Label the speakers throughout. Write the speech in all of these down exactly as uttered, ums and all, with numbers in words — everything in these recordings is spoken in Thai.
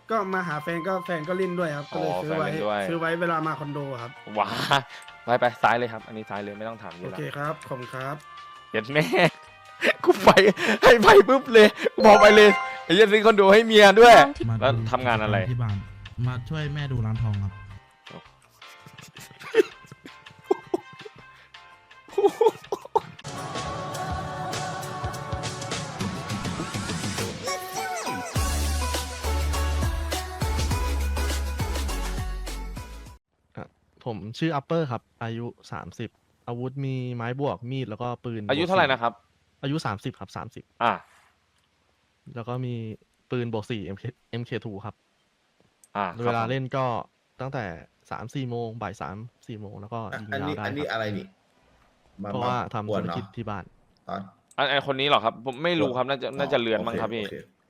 Speaker 1: ก็มาหาแฟนก็แฟนก็เล่นด้วยครับก็เลยซื้อไว้ซื้อไว้เวลามาคอนโดครับ
Speaker 2: ว้าไปไปซ้ายเลยครับอันนี้ซ้ายเลยไม่ต้องถามเย
Speaker 1: โอ
Speaker 2: อะละ
Speaker 1: เคครับขอบคุณครับ
Speaker 2: เย็ดแม่กูไปให้ไปปุ๊บเลยกูบอกไปเลยไอ้เหี้ยันซื้อคอนโดให้เมียด้วยแล้วทำงานอะไร
Speaker 3: ที่บ้านมาช่วยแม่ดูร้านทองครับผมชื่ออัปเปอร์ครับอายุสามสิบอาวุธมีไม้บวกมีดแล้วก็ปืน
Speaker 2: อายุเท่าไหร่นะครับ
Speaker 3: อายุสามสิบครับสามสิบ
Speaker 2: อ่า
Speaker 3: แล้วก็มีปืนบวกสี่ เอ็ม เค เอ็ม เค ทู ครับ
Speaker 2: อ่า
Speaker 3: เวลาเล่นก็ตั้งแต่สามสี่โมงบ่ายสามสี่โมงแล้วก็ยิงยาวได้
Speaker 4: อันนี้อะไรนี่
Speaker 3: เพราะว่าทำธุรกิจที่บ้าน
Speaker 2: อันไอคนนี้หรอครับผมไม่รู้ครับน่าจะน่าจะเลือนมั้งครับพี่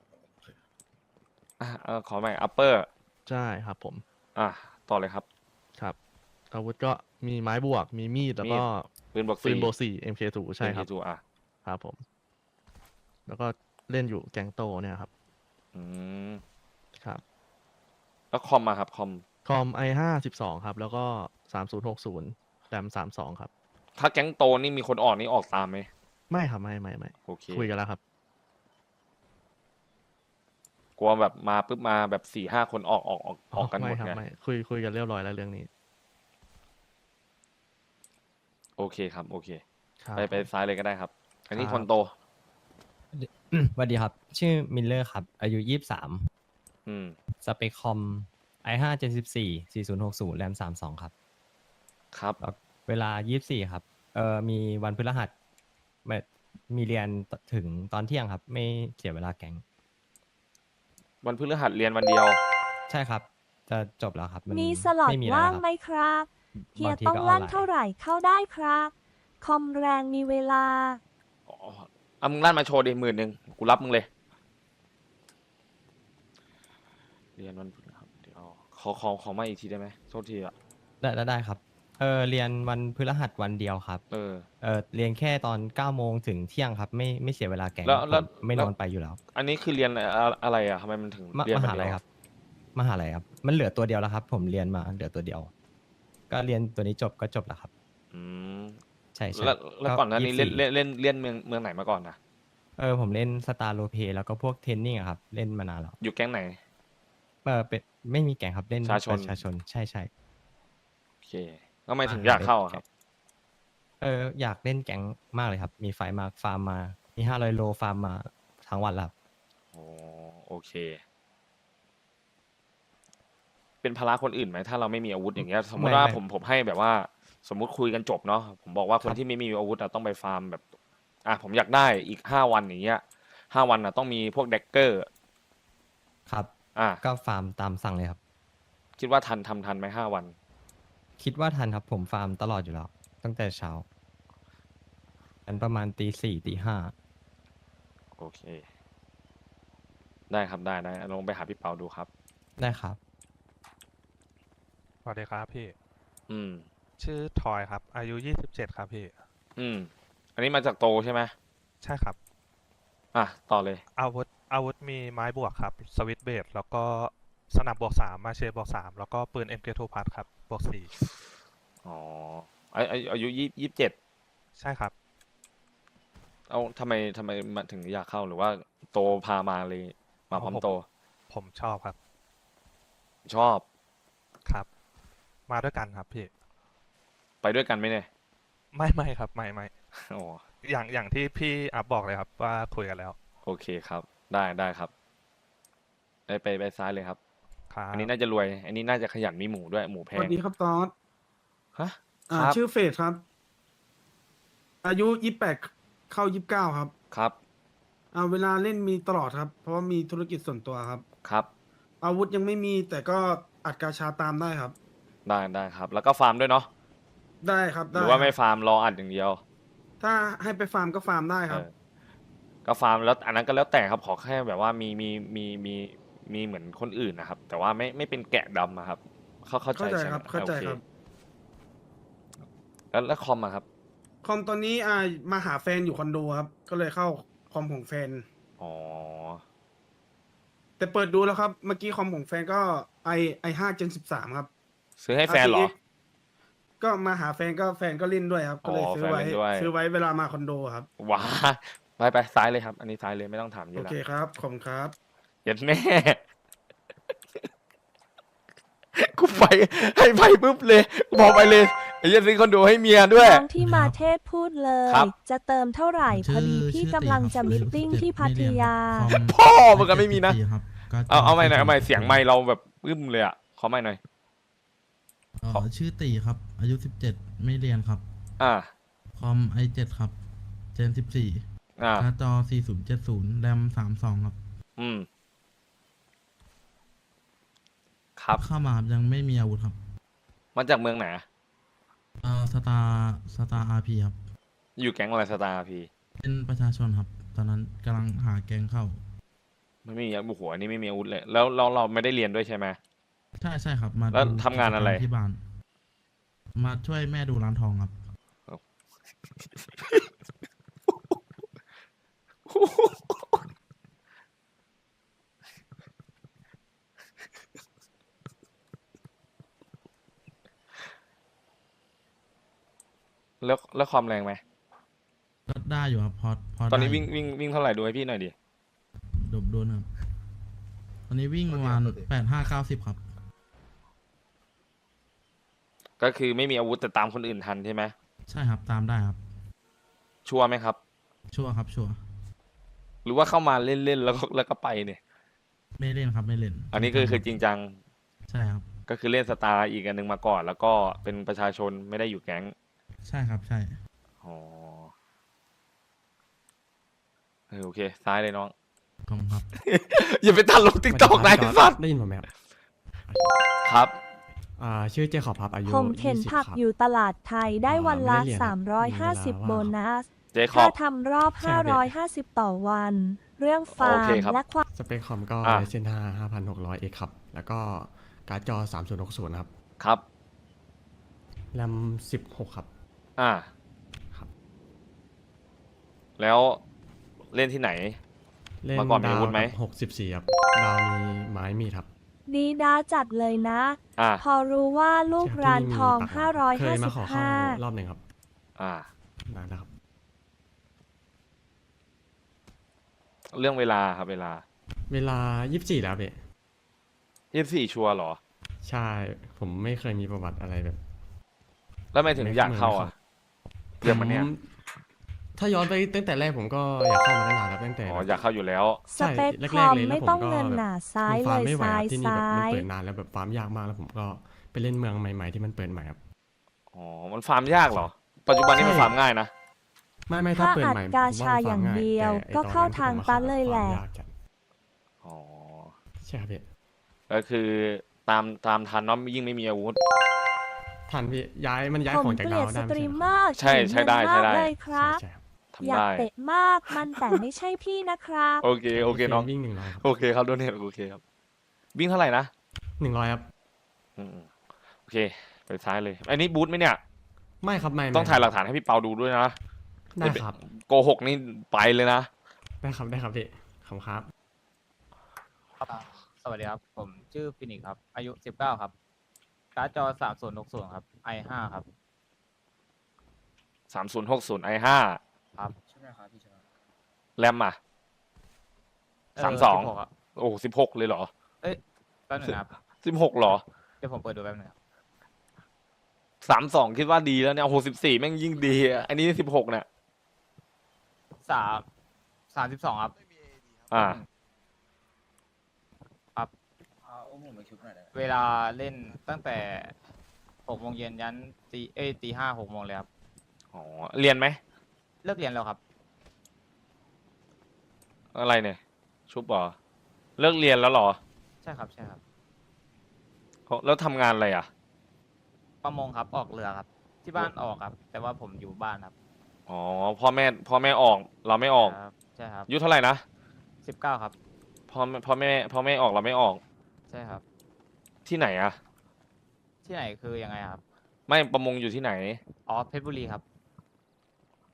Speaker 2: อ่าขอใหม่อัปเปอร์
Speaker 3: ใช่ครับผม
Speaker 2: อ่าต่อเลยครับ
Speaker 3: ครับอาวุธก็มีไม้บวกมีมีดแล้วก็
Speaker 2: ปืนบวก
Speaker 3: ปืนบวกสี่ เอ็ม เค ทู ใช่ครับ
Speaker 2: อ่ะ
Speaker 3: ครับผมแล้วก็เล่นอยู่แกงโตเนี่ยครับ
Speaker 2: อืม
Speaker 3: ครับ
Speaker 2: แล้วคอมมาครับคอม
Speaker 3: คอม ไอ ห้า สิบสองครับแล้วก็สามศูนย์หกศูนย์แรมสามสองครับ
Speaker 2: ถ้าแก๊งโตนี่มีคนออกนี่ออกตามไหม
Speaker 3: ไม่ครับไม่ไม่ไม่
Speaker 2: โอเค
Speaker 3: คุยกันแล้วครับ
Speaker 2: กลัวแบบมาปุ๊บมาแบบสี่ห้าคนออกออกออกออกกันหมดไง
Speaker 3: ไม่คุยคุยกันเรียบร้อยแล้วเรื่องนี้
Speaker 2: โอเคครับโอเคไปไปซ้ายเลยก็ได้ครับอันนี้คนโต
Speaker 5: สวัสดีครับชื่อมิลเลอร์ครับอายุยี่สิบสาม
Speaker 2: อืม
Speaker 5: สเปคคอม ไอ ห้า เจน สิบสี่ สี่ศูนย์หกศูนย์แรมสามสองครับ
Speaker 2: ครับ
Speaker 5: เวลายี่สิบสี่ครับเอ่อมีวันพฤหัสมีเรียนถึงตอนเที่ยงครับไม่เสียเวลาแก๊ง
Speaker 2: วันพฤหัสเรียนวันเดียว
Speaker 5: ใช่ครับจะจบแล้วครับ
Speaker 6: มีสล็อตว่างไหมครับเฮียต้องลั่นเท่าไหร่เข้าได้ครับคอมแรงมีเวลา
Speaker 2: อ๋อเอามึงลั่นมาโชว์ดิหมื่นหนึ่งกูรับมึงเลยเรียนวันพฤหัสเดี๋ยวขอขอขอมาอีกทีได้ไหมโทษทีอ่ะ
Speaker 5: ได้ได้ครับเออเรียนวันพฤหัสวันเดียวครับ
Speaker 2: เออ
Speaker 5: เออเรียนแค่ตอนเก้าโมงถึงเที่ยงครับไม่ไม่เสียเวลาแก๊ง
Speaker 2: แล้ว
Speaker 5: ไม่นอนไปอยู่แล้ว
Speaker 2: อันนี้คือเรียนอะไรอ่ะทำไมมันถึงเรียน
Speaker 5: มหาลัยครับมหาลัยครับมันเหลือตัวเดียวแล้วครับผมเรียนมาเหลือตัวเดียว ก็เรียนตัวนี้จบก็จบแล้วครับ
Speaker 2: อืม
Speaker 5: ใช่ใช่
Speaker 2: แล้วแล้วก่อนหน้านี้เล่นเล่นเล่นเล่นเมืองเมืองไหนมาก่อนนะ
Speaker 5: เออผมเล่นสตาร์โลเพแล้วก็พวกเทนนิ่งครับเล่นมานานแล้ว
Speaker 2: อยู่แก๊งไหน
Speaker 5: เออเป็นไม่มีแก๊งครับเล่น
Speaker 2: ประชาชน
Speaker 5: ประชาชนใช่ใช่
Speaker 2: โอเคก็ไม่ถึงอยากเข้าครับ
Speaker 5: เอออยากเล่นแก๊งมากเลยครับมีไฟมาฟาร์มมามีห้าร้อยโลฟาร์มมาทั้งวันแล้ว
Speaker 2: โอ้โอเคเป็นภาระคนอื่นไหมถ้าเราไม่มีอาวุธอย่างเงี้ยสมมติว่าผมผมให้แบบว่าสมมุติคุยกันจบเนาะผมบอกว่าคนที่ไม่มีอาวุธต้องไปฟาร์มแบบอ่ะผมอยากได้อีกห้าวันอย่างเงี้ยห้าวันอ่ะต้องมีพวกเด็กเกอร์
Speaker 5: ครับ
Speaker 2: อ่ะ
Speaker 5: ก็ฟาร์มตามสั่งเลยครับ
Speaker 2: คิดว่าทันทำทันไหมห้าวัน
Speaker 5: คิดว่าทันครับผมฟาร์มตลอดอยู่แล้วตั้งแต่เช้าอันประมาณตีสี่ตีห้า
Speaker 2: โอเคได้ครับได้ได้ลองไปหาพี่เปาดูครับ
Speaker 5: ได้ครับ
Speaker 7: สวัสดีครับพี่
Speaker 2: อืม
Speaker 7: ชื่อทอยครับอายุยี่สิบเจ็ดครับพี่
Speaker 2: อืมอันนี้มาจากโตใช่ไหม
Speaker 7: ใช่ครับ
Speaker 2: อ่ะต่อเลย
Speaker 7: อาวุธอาวุธมีไม้บวกครับสวิตช์เบสแล้วก็สนับบวกสามมาเชบวกสามแล้วก็ปืน เอ็ม เค ทู พัดครับบวกสี่
Speaker 2: อ๋ออายุยี่ยี่สิบเจ็ด
Speaker 7: ใช่ครับ
Speaker 2: เอาทำไมทำไมมาถึงอยากเข้าหรือว่าโตพามาเลยมาพร้อมโต
Speaker 7: ผมชอบครับ
Speaker 2: ชอบ
Speaker 7: ครับมาด้วยกันครับพี่
Speaker 2: ไปด้วยกันไหมเนี่ย
Speaker 7: ไม่ไม่ครับไม่ไม่
Speaker 2: โอ้
Speaker 7: อย่างอย่างที่พี่อัพบอกเลยครับว่าคุยกันแล้ว
Speaker 2: โอเคครับได้ได้ครับไปไปไปซ้ายเลยครับอันนี้น่าจะรวยอันนี้น่าจะขยันมีหมูด้วยหมูแพง
Speaker 1: สวัสดีครับตอส
Speaker 2: ฮะ
Speaker 1: อ่าชื่อเฟสครับอายุยี่สิบแปดเข้ายี่สิบเก้าครับ
Speaker 2: ครับ
Speaker 1: อ่าเวลาเล่นมีตลอดครับเพราะว่ามีธุรกิจส่วนตัวครับ
Speaker 2: ครับ
Speaker 1: อาวุธยังไม่มีแต่ก็อัดกาชาตามได้ครับ
Speaker 2: ได้ได้ครับแล้วก็ฟาร์มด้วยเนาะ
Speaker 1: ได้ครับ
Speaker 2: หรือว่าไม่ฟาร์มรออัดอย่างเดียว
Speaker 1: ถ้าให้ไปฟาร์มก็ฟาร์มได้ครับ
Speaker 2: ก็ฟาร์มแล้วอันนั้นก็แล้วแต่ครับขอแค่แบบว่ามีมีมีมีมีเหมือนคนอื่นนะครับแต่ว่าไม่ไม่เป็นแกะดำนะครับเข้าเข้าใจใช่ไหม
Speaker 1: เข้าใจครับ
Speaker 2: แล้วแล้วคอมอะครับ
Speaker 1: คอมตอนนี้อ่ามาหาแฟนอยู่คอนโดครับก็เลยเข้าคอมของแฟน
Speaker 2: อ๋อ
Speaker 1: แต่เปิดดูแล้วครับ เมื่อกี้คอมของแฟนก็ไอไอห้าเจนสิบสามครับ
Speaker 2: ซื้อให้แฟนเหรอ
Speaker 1: อาร์ ที เอ็กซ์ ก็มาหาแฟนก็แฟนก็เล่นด้วยครับ ก็เลย
Speaker 2: อ๋อ
Speaker 1: ซื้อไว้
Speaker 2: แฟนเล่นด้วย
Speaker 1: ซื้อไว้เวลามาคอนโดครับ
Speaker 2: ว้าไปไปซ้ายเลยครับ อันนี้ซ้ายเลยไม่ต้องถามเย
Speaker 1: โอ
Speaker 2: อะละ
Speaker 1: เคครับ ขอบคุณครับ
Speaker 2: เย็นแม่ กูไปให้ไปปุ๊บเลยกูบอกไปเลยไอ้เหี้ยันซื้อคอนโดให้เมียด้วย
Speaker 6: น้องที่มาเทศพูดเลย
Speaker 2: ครับ
Speaker 6: จะเติมเท่าไหร่พอดีพี่กำลังจะมิทติ้งที่พัทยา
Speaker 2: พ่อมันก็ไม่มีนะ
Speaker 4: ครับก็
Speaker 2: เอาเอาใหม่หน่อยเอาใหม่เสียงไมค์เราแบบอึ้มเลยอ่ะขอใหม่หน่อย
Speaker 4: เอ่อชื่อตีครับ อายุสิบเจ็ดไม่เรียนครับ
Speaker 2: อ่า
Speaker 4: คอม ไอ เจ็ด ครับ เจนสิบสี่
Speaker 2: อ่า
Speaker 4: การ์ดจอสี่ศูนย์เจ็ดศูนย์แรมสามสองครับ
Speaker 2: อืมครับ
Speaker 4: เข้ามาครับยังไม่มีอาวุธครับ
Speaker 2: มาจากเมืองไหนอะ
Speaker 4: เอ่อสตาร์สตาร์อาร์พีครับ
Speaker 2: อยู่แก๊งอะไรสตาร์พี
Speaker 4: เป็นประชาชนครับ ตอนนั้นกำลังหาแกงเข้า
Speaker 2: มันไม่มีอาวุธหัวนี่ไม่มีอาวุธเลย แล้วเราเราไม่ได้เรียนด้วยใช่ไหม
Speaker 4: ใช่ใช่ครับ มา
Speaker 2: แล้ว
Speaker 4: ดู
Speaker 2: ทำงานอะไร
Speaker 4: กิจกมที่บ้าน มาช่วยแม่ดูร้านทองครับ
Speaker 2: แล้วแล้วความแรงไหม
Speaker 4: ก็ได้อยู่ครับ พอพอ
Speaker 2: ตอนนี้
Speaker 4: ได้
Speaker 2: วิ่งวิ่งวิ่งเท่าไหร่ดูให้พี่หน่อยดิ
Speaker 4: ดบโดนครับ ตอนนี้วิ่งประมาณแปดห้าเก้าสิบครับ
Speaker 2: ก็คือไม่มีอาวุธแต่ตามคนอื่นทันใช่ไหม
Speaker 4: ใช่ครับ ตามได้ครับ
Speaker 2: ชัวร์ไหมครับ
Speaker 4: ชัวร์ครับ ชัวร์
Speaker 2: หรือว่าเข้ามาเล่นๆแล้วก็แล้วก็ไปเนี่ย
Speaker 4: ไม่เล่นครับ ไม่เล่น
Speaker 2: อันนี้ก็คือจริงจัง
Speaker 4: ใช่ครับ
Speaker 2: ก็คือเล่นสตาร์อีกอันหนึ่งมาก่อน แล้วก็เป็นประชาชนไม่ได้อยู่แก๊ง
Speaker 4: ใช่ครับ ใช่
Speaker 2: อ๋อเออโอเค ซ้ายเลยน้อง
Speaker 4: ขอบคุณครับ
Speaker 2: อย่าไปตัดลงติ๊กตอกนะไอ้สัตว์
Speaker 8: ได้ยินผมไหมครับ
Speaker 2: ครับ
Speaker 8: อ่าชื่อเจคอบครับอายุ
Speaker 6: ผมเข็น
Speaker 8: ยี่สิบ
Speaker 6: ผัก
Speaker 8: ครับ
Speaker 6: อยู่ตลาดไทยได้
Speaker 8: อ่า
Speaker 6: วันละ
Speaker 8: ไม่ได้เรียนครับมีเวลา
Speaker 6: สามร้อยห้าสิบ
Speaker 8: ว่าง
Speaker 6: โบนัส
Speaker 2: เจคอ
Speaker 6: ค่า
Speaker 2: บ
Speaker 6: ทำรอบ
Speaker 8: ใช่ครับ
Speaker 6: ห้าร้อยห้าสิบ ต่อวัน เรื่องฟา
Speaker 2: โอ
Speaker 6: ร์
Speaker 2: เค
Speaker 6: ม
Speaker 2: ครับ
Speaker 6: และความ
Speaker 8: สเปคคอมก็
Speaker 2: อ่า
Speaker 8: เซนห้าห้าพันหกร้อยเอ็กครับ แล้วก็การ์ดจอสามศูนย์หกศูนย์ครับ
Speaker 2: ครับ
Speaker 8: แรมสิบหกครับ
Speaker 2: อ่า
Speaker 8: ครับ
Speaker 2: แล้วเล่นที่ไหน
Speaker 8: เล่น
Speaker 2: เมื่อก่อนมี
Speaker 8: ดา
Speaker 2: อาวุธไหม
Speaker 8: หกสิบสี่ครับ ดาวมีไม้มีดครับ
Speaker 6: ดีดาจัดเลยนะ
Speaker 2: อ่า
Speaker 6: พอรู้ว่าลูก
Speaker 8: ใช่คบ
Speaker 6: ร้าน
Speaker 8: ที่มี
Speaker 6: ทอง
Speaker 8: ปากหลักเคยมาขอเข้า
Speaker 6: ห้าร้อยห้าสิบห้า
Speaker 8: รอบหนึ่งครับ
Speaker 2: อ่า
Speaker 8: นานแล้วครับ
Speaker 2: เรื่องเวลาครับเวลา
Speaker 8: เวลายี่สิบสี่แล้วพี่
Speaker 2: ยี่สิบสี่ชัวร์เหรอ
Speaker 8: ใช่ ผมไม่เคยมีประวัติอะไรแบบ
Speaker 2: แล้วไม่ถึงอยากเข้าอ่ะ เรื่องมันเนี้ย
Speaker 8: ผมถ้าย้อนไปตั้งแต่แรกผมก็อยากเข้ามาตั้งนานแล้วตั้งแต่
Speaker 2: อ๋ออยากเข้าอยู่แล้ว
Speaker 6: สเปค
Speaker 8: ใช่
Speaker 6: ค
Speaker 8: แร
Speaker 6: อก
Speaker 8: ๆ
Speaker 6: ม
Speaker 8: เลยแล้ว
Speaker 6: ไม่ต้อง
Speaker 8: ผมก็
Speaker 6: เงินหนาซ้าย
Speaker 8: มัน
Speaker 6: เล
Speaker 8: ฟาร์ม
Speaker 6: ย
Speaker 8: ไม่ไหว
Speaker 6: ซ้า
Speaker 8: ค
Speaker 6: ย
Speaker 8: รับที่นี่แบบ
Speaker 6: ซ้า
Speaker 8: มัน
Speaker 6: ย
Speaker 8: เปิดนานแล้วแบบฟาร์มยากมากแล้วผมก็ไปเล่นเมืองใหม่ ๆ ที่มันเปิดใหม่ครับ
Speaker 2: อ๋อ มันฟาร์มยากเหรอ ปัจจุบันนี้มัน
Speaker 8: ใช่
Speaker 2: ฟาร์มง่ายนะ
Speaker 8: ไม่ไม่ถ้า
Speaker 6: ถ้า
Speaker 8: เปิด
Speaker 6: อัด
Speaker 8: ใหม่
Speaker 6: กา
Speaker 8: ผม
Speaker 6: ชา
Speaker 8: ว่มัน
Speaker 6: อย่าง
Speaker 8: ฟร์ม
Speaker 6: เดียว
Speaker 8: แต่ไอ้
Speaker 6: ก็
Speaker 8: ตอน
Speaker 6: เข้า
Speaker 8: นั้น
Speaker 6: ทาง
Speaker 8: ที่ผมม
Speaker 6: ปั้นเลยแหละ
Speaker 8: ฟาร์มยากจัด
Speaker 2: อ๋อ
Speaker 8: ใช่ครับพี่
Speaker 2: ก็คือตามตามทันเนาะยิ่งไม่มีอาวุธ
Speaker 8: ทันพี่ย้ายมันย้าย
Speaker 6: ผ
Speaker 8: ข
Speaker 6: ม
Speaker 8: องจาก
Speaker 6: เกลี
Speaker 8: ดา
Speaker 6: ยว ดส
Speaker 8: ได้
Speaker 6: ตรีมเม
Speaker 8: ใช่
Speaker 6: อร์
Speaker 2: ใช่ใช่ได้
Speaker 6: เก่ง
Speaker 2: ใช่ได้
Speaker 6: มากเลยค
Speaker 8: ไหม
Speaker 6: รับ
Speaker 8: ใช่ครับ
Speaker 2: ทำ
Speaker 6: อยาก
Speaker 2: ได้
Speaker 6: เตะมากมันแต่ไม่ใช่พี่นะครับ
Speaker 2: โอเค โอเคน้อง
Speaker 8: วิ่งหนึ่งร้อยครับ
Speaker 2: โอเคครับโดเนทโอเคครับ วิ่งเท่าไหร่นะ
Speaker 8: หนึ่งร้อยครับ
Speaker 2: อืมโอเค ไปซ้ายเลย อันนี้บูธไหมเนี่ย
Speaker 8: ไม่ครับไม่
Speaker 2: ต้องถ่ายหลักฐานให้พี่เปาดูด้วยนะ
Speaker 8: ได้ครับ
Speaker 2: โกหกนี่ไปเลยนะ
Speaker 8: ได้ครับได้ครับพี่ขอบคุณครับ
Speaker 9: สวัสดีครับ ผมชื่อฟินิกซ์ครับ อายุสิบเก้าครับ การ์ดจอสามศูนย์หกศูนย์ครับ ไอห้าครับ
Speaker 2: สามศูนย์หกศูนย์ไอห้า
Speaker 9: ครับ
Speaker 2: แรมอ่ะ
Speaker 9: เออ
Speaker 2: สามสอง
Speaker 9: สิบหกะ
Speaker 2: โอ้สิบหกเลยเหรอ
Speaker 9: เอ้ยแป๊บหนึงนะครับ
Speaker 2: สิบหกเหรอ
Speaker 9: เดี๋ยวผมเปิดดูแป๊บหนึงครับ
Speaker 2: สามสองคิดว่าดีแล้วเนี่ยโอ้โหสิบสี่แม่งยิ่งดีอะอันนี้สิบหกเนี่ย
Speaker 9: สามสามสิบสองครับ
Speaker 2: อ่า
Speaker 9: ครับ เวลาเล่นตั้งแต่หกโมงเย็นยันตีเอ้ยตีห้าหกโมงเลยครับ
Speaker 2: อ๋อ เรียนไหม
Speaker 9: เลิกเรียนแล้วครับ
Speaker 2: อะไรเนี่ย ชุบเหรอ เลิกเรียนแล้วเหรอ
Speaker 9: ใช่ครับ ใช่ครับ
Speaker 2: แล้วทำงานอะไรอ่ะ
Speaker 9: ประมงครับ ออกเรือครับ ที่บ้านออกครับ แต่ว่าผมอยู่บ้านครับ
Speaker 2: อ๋อ พ่อแม่ พ่อแม่ออก เราไม่ออก
Speaker 9: ครับ ใช่ครับ
Speaker 2: อายุเท่าไหร่นะ
Speaker 9: สิบเก้าครับ
Speaker 2: พ่อแม่พ่อแม่ พ่อแม่ออกเราไม่ออก
Speaker 9: ใช่ครับ
Speaker 2: ที่ไหนอ่ะ
Speaker 9: ที่ไหนคือยังไงครับ
Speaker 2: ไม่ประมงอยู่ที่ไหน
Speaker 9: อ๋อ เพชรบุรีครับ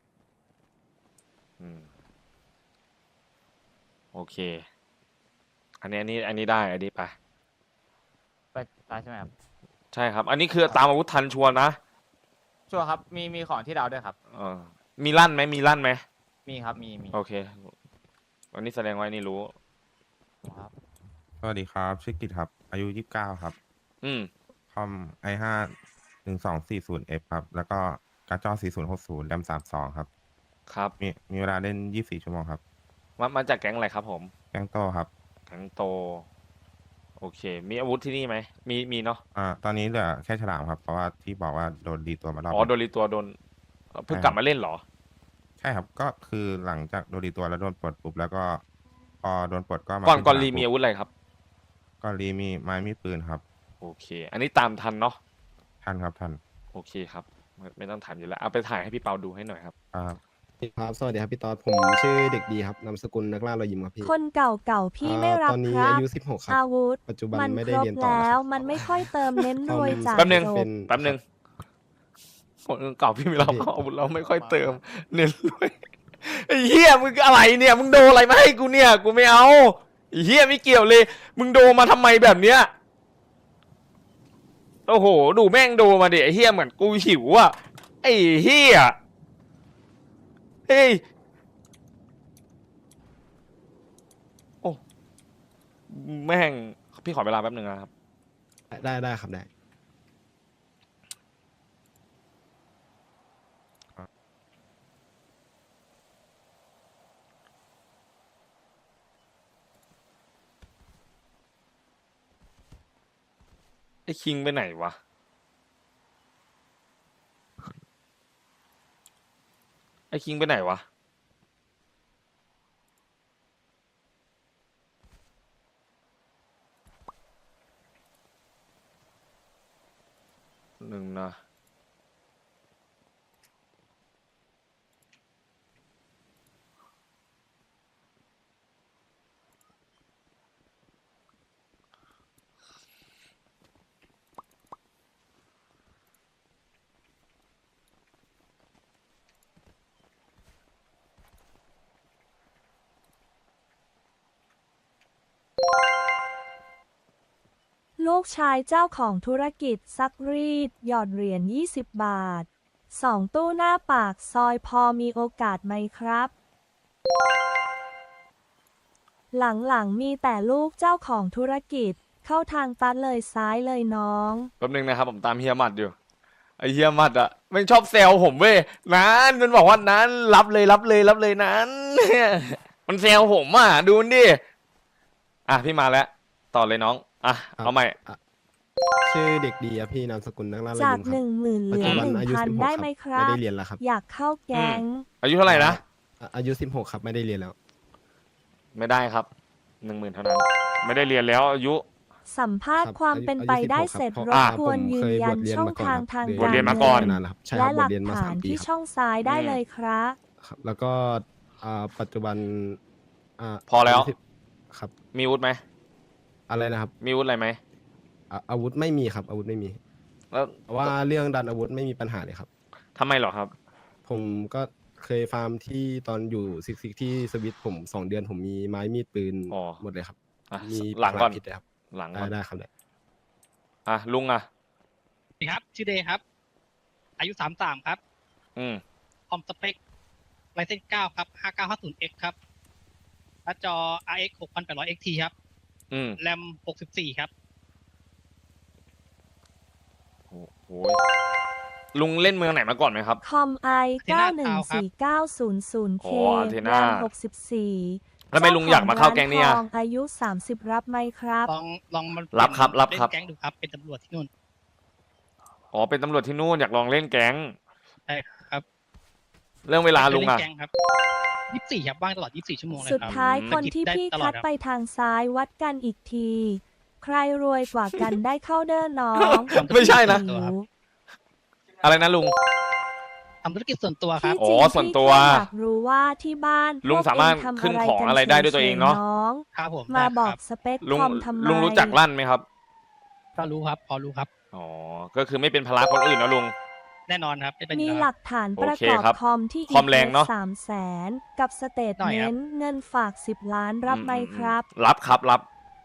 Speaker 2: อืม โอเคอันนี้อันนี้อันนี้ได้อันนี้ไป
Speaker 9: ไปได้ใช่ไหมครับ
Speaker 2: ใช่ครับ อันนี้คือตามอาวุธทันชัวร์นะ
Speaker 9: ชัวร์ครับมีมีของที่ดาวด้วยครับ
Speaker 2: เออมีลั่นไหมมีลั่นไหม
Speaker 9: มีครับมีมี
Speaker 2: โอเควันนี้แสดงว่าอันนี่รู้
Speaker 9: ครับ
Speaker 10: สวัสดีครับ ชื่อกิตครับ อายุยี่สิบเก้าครับ
Speaker 2: อืม
Speaker 10: คอม ไอ ห้า หนึ่งสองสี่ศูนย์ เอฟ ครับ แล้วก็การ์ดจอสี่ศูนย์หกศูนย์แรมสามสองครับ
Speaker 2: ครับ
Speaker 10: มีมีเวลาเล่นยี่สิบสี่ชั่วโมงครับ
Speaker 2: มามาจากแก๊งอะไรครับผม
Speaker 10: แกงโตครับ
Speaker 2: แก๊งโต โอเค มีอาวุธที่นี่ไหมมีมีเนาะ
Speaker 10: อ่า ตอนนี้เหลือแค่ฉลามครับ เพราะว่าที่บอกว่าโดนดีตัวมารอบ
Speaker 2: อ๋อ
Speaker 10: ห
Speaker 2: โด
Speaker 10: นึ่ง
Speaker 2: นรีตัวโดนเพิ่ง
Speaker 10: ใช่
Speaker 2: กลับมาเล่นเหรอ
Speaker 10: ใช่ครับ ก็คือหลังจากโดนดีตัวแล้วโดนปลดปุ๊บแล้วก็พอโดนปลดก็มา
Speaker 2: ก่อน
Speaker 10: ขึ้
Speaker 2: ก่อน
Speaker 10: ฉลา
Speaker 2: รีมีอาวุธอะไรครับ
Speaker 10: ก่อนรีมีไม้มีปืนครับ
Speaker 2: โอเค อันนี้ตามทันเนาะ
Speaker 10: ท่านครับท่าน
Speaker 2: โอเคครับไม่ไม่ต้องถามอยู่แล้วเอาไปถ่ายให้พี่เปาดูให้หน่อยครับ
Speaker 10: อ่า
Speaker 11: ครับสวัสดีครับพี่ต๊อดผมชื่อเด็กดีครับนามสกุลนักล่ารอยยิ้มครับพี่
Speaker 6: คนเก่าเก่าๆพี่ไม่
Speaker 11: อ่า
Speaker 6: รับ
Speaker 11: ตอนนี้
Speaker 6: ครับ
Speaker 11: อายุสิบหกครับ
Speaker 6: อาวุธ
Speaker 11: ปัจจุบัน
Speaker 6: มัน
Speaker 11: ไม่
Speaker 6: ค
Speaker 11: ได้
Speaker 6: รบ
Speaker 11: เรียนต่อ
Speaker 6: แล้
Speaker 11: แล้ว ว
Speaker 6: มันไม่ค่อยเติมเน้นรวยจาก
Speaker 2: แป๊บนึง
Speaker 6: จ
Speaker 11: เป็น
Speaker 2: แป๊บนึงคนเก่าพี่ไม่รับ
Speaker 11: พี่
Speaker 2: อาวุธเราไม่ค่อยเติม เน้นรวยไอ้เหี้ยมึงอะไรเนี่ย มึงโดนอะไรมาให้กูเนี่ย กูไม่เอาไอ้เหี้ยไม่เกี่ยวเลย มึงโดนมาทำไมแบบเนี้ยโอ้โห ดูแม่งโดนมาดิไอ้เหี้ยเหมือนกูหิวอ่ะไอ้เหี้ยเฮ้ยโอ้แม่งพี่ขอเวลาแป๊บนึงนะครับ
Speaker 11: ได้ได้ครับได้
Speaker 2: ไอ้คิงไปไหนวะ ไอ้คิงไปไหนวะ หนึ่งนะ
Speaker 6: ลูกชายเจ้าของธุรกิจซักรีด หยอดเหรียญยี่สิบบาท สองตู้หน้าปากซอยพอมีโอกาสไหมครับ หลังๆมีแต่ลูกเจ้าของธุรกิจ เข้าทางตัดเลยซ้ายเลยน้อง
Speaker 2: แป๊บนึงนะครับผมตามเฮียหมัดอยู่ไอเฮียหมัดอ่ะไม่ชอบแซวผมเว้ยนั้นมันบอกว่านั้นรับเลยรับเลยรับเลยนั้น มันแซวผมอ่ะดูมันดิอ่ะพี่มาแล้วต่อเลยน้องอ่ะ
Speaker 11: ครับ
Speaker 2: เอาใหม่
Speaker 11: ชื่อเด็กดีครับพี่นามสกุลนักล่ารอย
Speaker 6: จาก
Speaker 11: ยิ้มค
Speaker 6: ห
Speaker 11: รับ
Speaker 6: นึ่งหมื่นเห
Speaker 11: ปัจ
Speaker 6: ลือ
Speaker 11: จุบั
Speaker 6: หนึ่ง
Speaker 11: อายุ
Speaker 6: พัน
Speaker 11: สิบหก
Speaker 6: ได้
Speaker 11: ครับ
Speaker 6: ไหมค
Speaker 11: ไม่
Speaker 6: รับ
Speaker 11: ได้เรียนแล้วครับ
Speaker 6: อยากเข้าแก๊ง
Speaker 2: อายุเท่าไหร่นะ
Speaker 11: อ่ะอายุสิบหกครับไม่ได้เรียนแล้ว
Speaker 2: ไม่ได้ครับหนึ่งหมื่นเท่านั้น ไม่ได้เรียนแล้วอายุ
Speaker 6: สัมภาษณ์
Speaker 11: ครับ
Speaker 6: ความ
Speaker 11: อายุ
Speaker 6: เป็นไป
Speaker 11: อายุ
Speaker 6: ได้
Speaker 11: สิบหก
Speaker 6: เสร็จ
Speaker 11: ครับ
Speaker 6: ร
Speaker 11: เพ
Speaker 6: บ
Speaker 11: ราะ
Speaker 6: กวน
Speaker 11: ผม
Speaker 6: ยื
Speaker 11: เคน ย
Speaker 6: ยั
Speaker 11: บ
Speaker 6: น
Speaker 11: วชเรียน
Speaker 6: ช่อง
Speaker 11: มาก่อน
Speaker 6: ทาง
Speaker 11: ครับ
Speaker 6: ทาง
Speaker 2: บวช
Speaker 6: การ
Speaker 2: เรียนมาก่อน
Speaker 6: เงิ
Speaker 11: นานแล้วครับใช่ค
Speaker 6: และ
Speaker 11: รับ
Speaker 6: ห
Speaker 11: บ
Speaker 6: ลั
Speaker 11: วช
Speaker 6: ก
Speaker 11: เรียนมา
Speaker 6: ฐา
Speaker 11: สาม
Speaker 6: น
Speaker 11: ปี
Speaker 6: ที่
Speaker 11: ครับ
Speaker 6: ช่องซ้ายได้
Speaker 2: อืม
Speaker 6: เลยครับ
Speaker 11: ครับแล้วก็อ่าปัจจุบันอ่า
Speaker 2: พอแล้ว
Speaker 11: ายุสิบครับ
Speaker 2: มีอาวุธไหม
Speaker 11: อะไรนะครับ
Speaker 2: มีอาวุธอะไรไหม
Speaker 11: อ่ะอาวุธไม่มีครับ อาวุธไม่มี
Speaker 2: แล้ว
Speaker 11: แต่ว่าเรื่องดันอาวุธไม่มีปัญหาเลยครับ
Speaker 2: ทำไมเหรอครับ
Speaker 11: ผมก็เคยฟาร์มที่ตอนอยู่ซิกซิกที่สวิตผมสองเดือนผมมีไม้มีดปืน
Speaker 2: อ๋อ
Speaker 11: หมดเลยครับ
Speaker 2: อ่ะ
Speaker 11: มี
Speaker 2: หลังก่อน
Speaker 11: ผิดเลยครับ
Speaker 2: หลัง
Speaker 11: ได้
Speaker 2: ก่อน
Speaker 11: ได้ครับได้
Speaker 2: อ่ะลุงอ่ะ
Speaker 12: สวัสดีครับ ชื่อเดย์ครับ อายุสามสามครับ
Speaker 2: อืม
Speaker 12: คอมสเปคไลเซนเก้าครับห้าเก้าห้าศูนย์เอ็กครับหน้าจอ อาร์ เอ็กซ์ หกพันแปดร้อย เอ็กซ์ ที ครับ
Speaker 2: อืม
Speaker 12: แรมหกสิบสี่ครับ
Speaker 2: โอ้โหลุงเล่นเมืองไหนมาก่อนไหมครับ
Speaker 6: คอมไอ
Speaker 12: Athena
Speaker 6: เก้าหนึ่งสี่เก้าศูนย์ศูนย์เค
Speaker 2: อ๋อ Athena
Speaker 6: แรมหกสิบสี่
Speaker 2: แล้วทำไมลุงอยากมาเข้าแก๊งเนี่ย
Speaker 6: จ้าของร้านทองอายุสามสิบรับไหมครับ
Speaker 12: ลองลองมัน
Speaker 2: รับครับรับครับ
Speaker 12: เล่นแก๊งดูครับ เป็นตำรวจที่นู่น
Speaker 2: อ๋อเป็นตำรวจที่นู่นอยากลองเล่นแก๊ง
Speaker 12: ใช่ครับ
Speaker 2: เรื่องเวลาลุง
Speaker 12: เคย
Speaker 2: อ่ะ
Speaker 12: เนแก๊งครับยี่สิบสี่ครับว่างตลอดยี่สิบสี่ชั่วโมงเลย
Speaker 6: สุด
Speaker 12: ครับ
Speaker 6: ท้าย
Speaker 12: อืม
Speaker 6: คนที่
Speaker 12: ได้
Speaker 6: พี่
Speaker 12: ตลอ
Speaker 6: คั
Speaker 12: ด
Speaker 6: ด
Speaker 12: ครับ
Speaker 6: ไปทางซ้ายวัดกันอีกที ใครรวยกว่ากันได้เข้าเด้อน้อง
Speaker 2: ไม่ใช่นะ
Speaker 12: ตัวครับ
Speaker 2: อะไรนะลุง
Speaker 12: ทำธุรกิจส่วนตัวครับ
Speaker 6: ที่
Speaker 2: อ๋
Speaker 6: จริ
Speaker 2: อง ส่วนตัว
Speaker 6: พี่แค่อยากรู้ว่าที่บ้าน
Speaker 2: ลุง
Speaker 6: พวก
Speaker 2: สามารถ
Speaker 6: เทำ
Speaker 2: ขึ้น
Speaker 6: อะไร
Speaker 2: ของ
Speaker 6: กัน
Speaker 2: อะไรได้ด้วยตัวเองเนอะ
Speaker 6: ฉยๆน้อง
Speaker 12: ครับผม
Speaker 6: มา
Speaker 12: ได้
Speaker 6: บอก
Speaker 12: ครับ
Speaker 6: สเปค
Speaker 2: ลุง
Speaker 6: คอมทำไม
Speaker 2: ลุงรู้จักลั่นไหมครับ
Speaker 12: ก็รู้ครับ พอรู้ครับ
Speaker 2: อ๋อ ก็คือไม่เป็นภาระคนอื่นนะลุง
Speaker 12: แน่นอนครับไม่เป็น
Speaker 6: มี
Speaker 12: อยู่
Speaker 6: ห
Speaker 12: แล้ว
Speaker 6: ลักฐานประ
Speaker 2: โอเค
Speaker 6: กอบ
Speaker 2: ครับ
Speaker 6: คอมที่
Speaker 2: คอมแรงเนอะ
Speaker 6: สามแสนกับสเตท
Speaker 12: หน่อย
Speaker 6: เม
Speaker 12: ครับ
Speaker 6: นต์เงินฝากสิบล้านรับไหมครับ
Speaker 2: รับครับรับ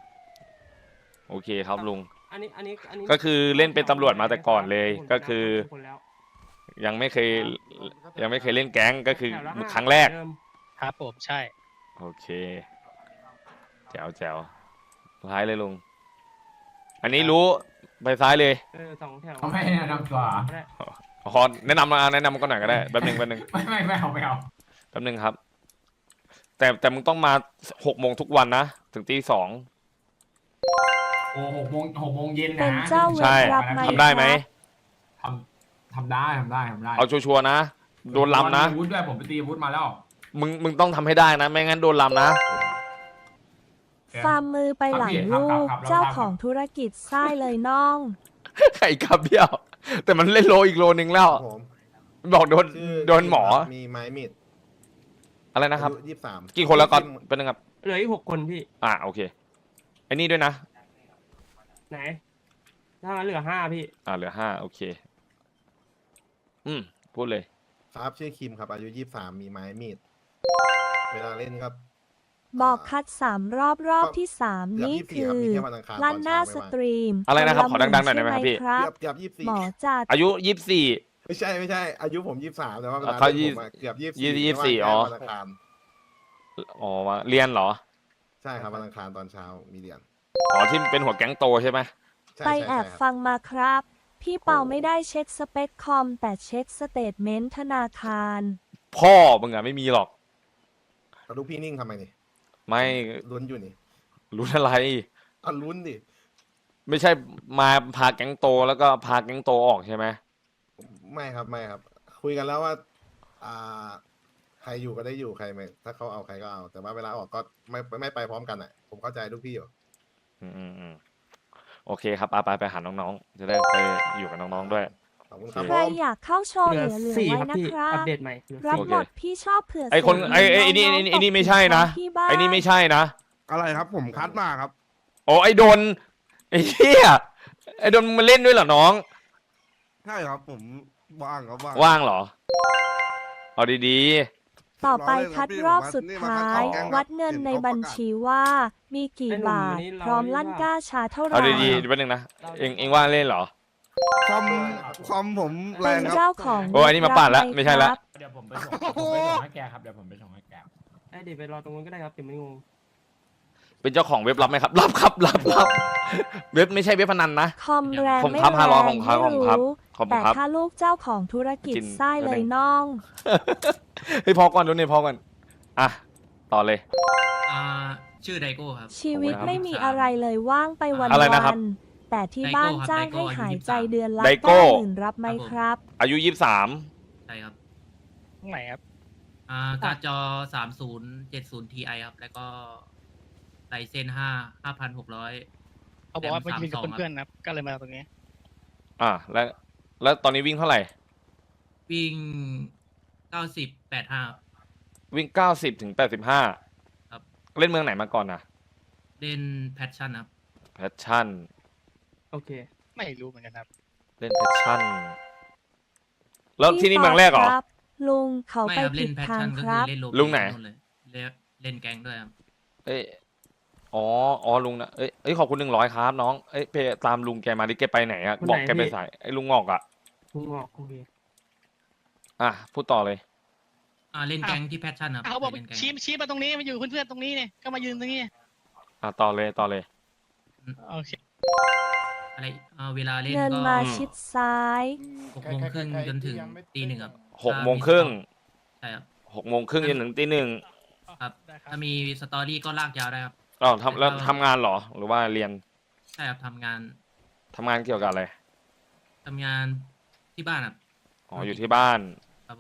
Speaker 2: โอเคครับลุง
Speaker 13: อันนี้อันนี้อันนี้
Speaker 2: ก็คือเล่นเป็นตำรวจมาแต่ก่อนเลย ก็คือ
Speaker 13: คนแล้ว
Speaker 2: ยังไม่เคยยังไม่เคยเล่นแก๊งก็คือครั้งแรก
Speaker 12: ครับผมใช่
Speaker 2: โอเคแจ๋วแจ๋วซ้ายเลยลุง อันนี้รู้ไปซ้ายเลย
Speaker 13: เออสองแถว
Speaker 14: ไม่แนะนำตัว
Speaker 2: ขอแนะนำมาแนะนำก็หน่อยก็ได้แป๊บหนึงแป๊บหนึง
Speaker 14: ไม่ไม่ไม่เอาไม่เอา
Speaker 2: แป๊บหนึงครับ แต่แต่มึงต้องมาหกโมงทุกวันนะถึงตีสอง
Speaker 14: โอ้หกโมงหกโมงเย็นนะ
Speaker 6: เป็นเจ้าเว
Speaker 2: ใช่
Speaker 6: รรับไหม
Speaker 2: ทำได้ไหม
Speaker 14: ทำทำได้ทำได้ทำได้
Speaker 2: เอาชัวร์ๆนะโดนลำนะ
Speaker 14: มีอาวุธด้วยผมไปตีอาวุธมาแล้ว
Speaker 2: มึงมึงต้องทำให้ได้นะ ไม่งั้นโดนลำนะ
Speaker 6: ฟาร์มมือไปหลังลูก เจ้าของธุรกิจไส้เลยน้อง
Speaker 2: ไข่กับเบี้ยว แต่มันเล่นโลอีกโลนึงแล้ว
Speaker 11: ผม
Speaker 2: บอกโดน
Speaker 11: ชื่อ
Speaker 2: โดนหมอ
Speaker 11: มีไม้มีด
Speaker 2: อะไรนะครับ
Speaker 11: อายุยี่สิบสาม
Speaker 2: กี่คนแล้วก่อนเป็นนึงครับ
Speaker 13: เหลืออีกหกคนพี่
Speaker 2: อ่าโอเคไอ้นี่ด้วยนะ
Speaker 13: ไหน ถ้างั้นเหลือห้าพี่
Speaker 2: อ่าเหลือห้าโอเค อืมพูดเลย
Speaker 11: ครับชื่อคิมครับ อายุยี่สิบสามมีไม้มีด เวลาเล่นครับ
Speaker 6: บอกคัดสามรอบรอบที่สาม
Speaker 11: เกือบ
Speaker 6: นี่
Speaker 11: ยี่สิบสี่
Speaker 6: คื
Speaker 11: ครับ
Speaker 6: อ
Speaker 11: มีแค่วันอังคาร
Speaker 6: ลั่นหน้า
Speaker 11: ตอน
Speaker 6: ส
Speaker 11: เช้าไม่ว่าง
Speaker 6: ตรีม
Speaker 2: อะไรนะครับ
Speaker 6: ล
Speaker 2: ขอดังๆหน่อยได้ไหมครับพี่
Speaker 6: ใช่
Speaker 11: เกือบเกือบยี่สิบสี่
Speaker 6: หมอจัด
Speaker 2: อายุยี่สิบสี่
Speaker 11: ไม่ใช่ไม่ใช่ อายุผมยี่สิบสามแต่ว่าเวลา
Speaker 2: เขา
Speaker 11: เล่นผมอะเกือบยี่สิบ
Speaker 2: ยี่
Speaker 11: สี่
Speaker 2: ยี่สิบสี่อ๋อ
Speaker 11: วันอังคาร
Speaker 2: อ๋อมาเรียนเหรอ
Speaker 11: ใช่ครับวันอังคารตอนเช้ามีเรียน
Speaker 2: อ๋อที่เป็นหัวแก๊งโตใช่ไหม
Speaker 11: ใช่
Speaker 6: ไป
Speaker 11: ใช่
Speaker 6: แอบ
Speaker 11: ใช่ครับ
Speaker 6: ฟังมาครับ พี่เปาไม่ได้เช็คสเปคคอม แต่เช็คสเตทเมนต์ธนาคาร
Speaker 2: พ่อมึงอะไม่มีหรอก
Speaker 11: เอาลูกพี่นิ่งทำไมนี่
Speaker 2: ไม่
Speaker 11: ลุ้นอยู่นี่
Speaker 2: รู้อะไร
Speaker 11: อ่ะลุ้นดิ
Speaker 2: ไม่ใช่มาพาแก๊งโตแล้วก็พาแก๊งโตออกใช่ไหม
Speaker 11: ไม่ครับไม่ครับ คุยกันแล้วว่า อ่า ใครอยู่ก็ได้อยู่ใครไม่ถ้าเขาเอาใครก็เอา แต่ว่าเวลาออกก็ไม่ไม่ไปพร้อมกันอ่ะ ผมเข้าใจลูกพี่อยู่
Speaker 2: อืมอืมอืมโอเคครับไปไปไปหาน้องๆ จะได้ไปอยู่กับน้องๆด้วย
Speaker 11: ขอบคุณค
Speaker 2: โอ
Speaker 11: รับ
Speaker 2: เค
Speaker 6: ใครอยากเข้าโชว์
Speaker 13: เห
Speaker 6: เห
Speaker 13: ลื
Speaker 6: ลื
Speaker 13: อ
Speaker 6: อเหลือ
Speaker 13: สี่
Speaker 6: ไว้
Speaker 13: ครับ
Speaker 6: นะ
Speaker 13: พี่
Speaker 6: ครั
Speaker 13: อั
Speaker 6: บ
Speaker 13: ปเดตใหม่เหลือ
Speaker 6: รับ
Speaker 13: สี่
Speaker 6: หมดพี่ชอบเผื่อ
Speaker 2: ไอคน
Speaker 6: เสียง
Speaker 2: ไอไอไอ้นี่
Speaker 6: น้
Speaker 2: ไอ้
Speaker 6: งๆ
Speaker 2: นี่ไอ้นี่
Speaker 6: ตก
Speaker 2: ไม่ใช่นะ
Speaker 6: ที่บ้าน
Speaker 2: ไอ้นี่ไม่ใช่นะ
Speaker 1: อะไรครับ ผมคัดมาครับ
Speaker 2: โอ้ไอโดนไอเหี้ยไอโดนมึงมาเล่นด้วยเหรอน้อง
Speaker 1: ใช่ครับผมว่างครับว่าง
Speaker 2: ว่างเหรอ เอาดี
Speaker 6: ต่อไปคัดรอบสุด
Speaker 1: นี่มา
Speaker 6: ท้า
Speaker 1: คัด
Speaker 6: ย
Speaker 1: ของแก๊งครับ
Speaker 6: วัดเงินในบัญชีว่ามีกี่บาท พร้อมลั่นกล้าชาเท่า
Speaker 2: ๆ
Speaker 6: ไห
Speaker 2: เอา
Speaker 6: ร่
Speaker 2: ดีๆแป๊บนึงนะ เองเองว่างเล่นเหรอ
Speaker 1: คอมคอมผมแร
Speaker 6: เป็
Speaker 1: ง
Speaker 6: น
Speaker 1: ครับ
Speaker 6: เจ้าของ
Speaker 2: โอ้อันนี้มาปาดละ
Speaker 6: รับห
Speaker 2: ไม่ใช่ละ
Speaker 6: ครับ
Speaker 14: เดี๋ยวผมไปส่งผมไปส่งให้แกครับเดี๋ยวผมไปส่งให้แก
Speaker 13: ไอ้เดี๋ยวไปรอตรงนู้นก็ได้ครับเดี๋ยวมันงง
Speaker 2: เป็นเจ้าของเว็บรับไหมครับ รับครับรับรับเว็บไม่ใช่เว็บพนันนะ
Speaker 6: คอมแรง
Speaker 2: ผม
Speaker 6: ไม่
Speaker 2: ครับ
Speaker 6: แร
Speaker 2: ห้าร้อย
Speaker 6: ง
Speaker 2: ผมครับ
Speaker 6: ไม่
Speaker 2: ผมครับ
Speaker 6: รู้
Speaker 2: ขอบคุณ
Speaker 6: แต่
Speaker 2: ครับ
Speaker 6: ถ้าลูกเจ้าของธุรกิจ
Speaker 2: กิน
Speaker 6: ไส้เลย
Speaker 2: แป๊บนึง
Speaker 6: น้อง
Speaker 2: เฮ้ยพอก่อนดูนี่พอก่อนอ่ะต่อเลย
Speaker 13: อ่าชื่อไดโก้ครับ
Speaker 6: ชีวิต
Speaker 2: ขอบคุณครับ
Speaker 6: ไม่มีอะไรเลยว่างไปวัน
Speaker 2: อะไรนะครั
Speaker 6: วั
Speaker 2: บ
Speaker 6: นแต่ที่บ้าน
Speaker 13: ไดโก้ครับ
Speaker 6: จ้าง
Speaker 13: ไดโก้
Speaker 6: ให้
Speaker 13: อายุ
Speaker 6: หาย
Speaker 13: ยี่สิบ
Speaker 6: ใจ
Speaker 13: สาม
Speaker 6: เดือนละ
Speaker 2: ไดโก้
Speaker 6: เก้าหมื่นรับไหมครับ
Speaker 2: อายุยี่สิบสาม
Speaker 13: ใช่ครับ
Speaker 12: ตรงไหนครับ
Speaker 13: อ่าการ์ดจอสามศูนย์เจ็ดศูนย์ทีไอครับ แล้วก็ไลเซนห้าห้าพันหกร้อย
Speaker 12: เขาบอกว่า
Speaker 13: แร
Speaker 12: ไป
Speaker 13: ม
Speaker 12: กินกับ
Speaker 13: สามสอง
Speaker 12: เพื่อนๆนะครับ ก็เลยมาตรงนี้
Speaker 2: อ่ะแล้วแล้วตอนนี้วิ่งเท่าไหร่
Speaker 13: วิ่งเก้าสิบแปดห้า
Speaker 2: วิ่งเก้าสิบถึงแปดสิบห้า
Speaker 13: ครับ
Speaker 2: เล่นเมืองไหนมาก่อนนะ
Speaker 13: เล่นแพชชั่นครับ
Speaker 2: แพชชั่น
Speaker 13: โอเค
Speaker 12: ไม่รู้เหมือนกันครับ
Speaker 2: เล่นแพชชั่น แล้วที่นี่เมืองแรกเหรอ
Speaker 6: พี่ปครับลุงเขา
Speaker 13: ไม่
Speaker 6: ไป
Speaker 13: ครับ
Speaker 6: ผิ
Speaker 13: เล่
Speaker 6: ด
Speaker 13: นแพช
Speaker 6: ทาง
Speaker 13: ชั่นก็
Speaker 6: ค
Speaker 13: คือ
Speaker 6: รับ
Speaker 13: เล่นโล
Speaker 2: ลุงไหน
Speaker 13: เลยเล่นเล่นแก๊งด้วยครับ
Speaker 2: เอ้ยอ๋ออ๋อลุงนะเอ้ยเอ้ยขอบคุณหนึ่งร้อยครับน้องเอ้ยไปตามลุงแกมาดิแกไปไหนอะ
Speaker 13: คนไหน
Speaker 2: บอกแกไป
Speaker 13: พี่
Speaker 2: สายไอ้ลุงงอกอะ
Speaker 13: ลุงบอกโอเค
Speaker 2: อ่ะพูดต่อเลย
Speaker 13: อ่าเล่นแก๊งที่แพชชั่นครับ
Speaker 12: เขาบอก
Speaker 13: เล่นแก๊ง
Speaker 12: ชี้ชี้มาตรงนี้มาอยู่เพื่อนๆตรงนี้เนี่ยก็มายืนตรงนี้
Speaker 2: อ่ะต่อเลยต่อเลย
Speaker 12: โอเค
Speaker 13: อะไรอ่าเวลาเล่น
Speaker 6: เงิน
Speaker 13: ก็
Speaker 6: มาชิดซ้าย
Speaker 13: หกโมงครึ่งจนถึงตีหนึ่งครับ
Speaker 2: หกโมงครึ่ง
Speaker 13: ใช่ครับ
Speaker 2: หกโมงครึ่งจนถึงตีหนึ่ง
Speaker 13: ครับ
Speaker 12: ได้ครับ
Speaker 13: ถ้ามีสตอรี่ก็ลากยาวได้ครับ
Speaker 2: อ๋อทำแล้วทำงานเหรอ หรือว่าเรียน
Speaker 13: ใช่ครับทำงาน
Speaker 2: ทำงานเกี่ยวกับอะไร
Speaker 13: ทำงานที่บ้านครับ
Speaker 2: อ๋ออยู่ที่บ้าน
Speaker 13: ครับ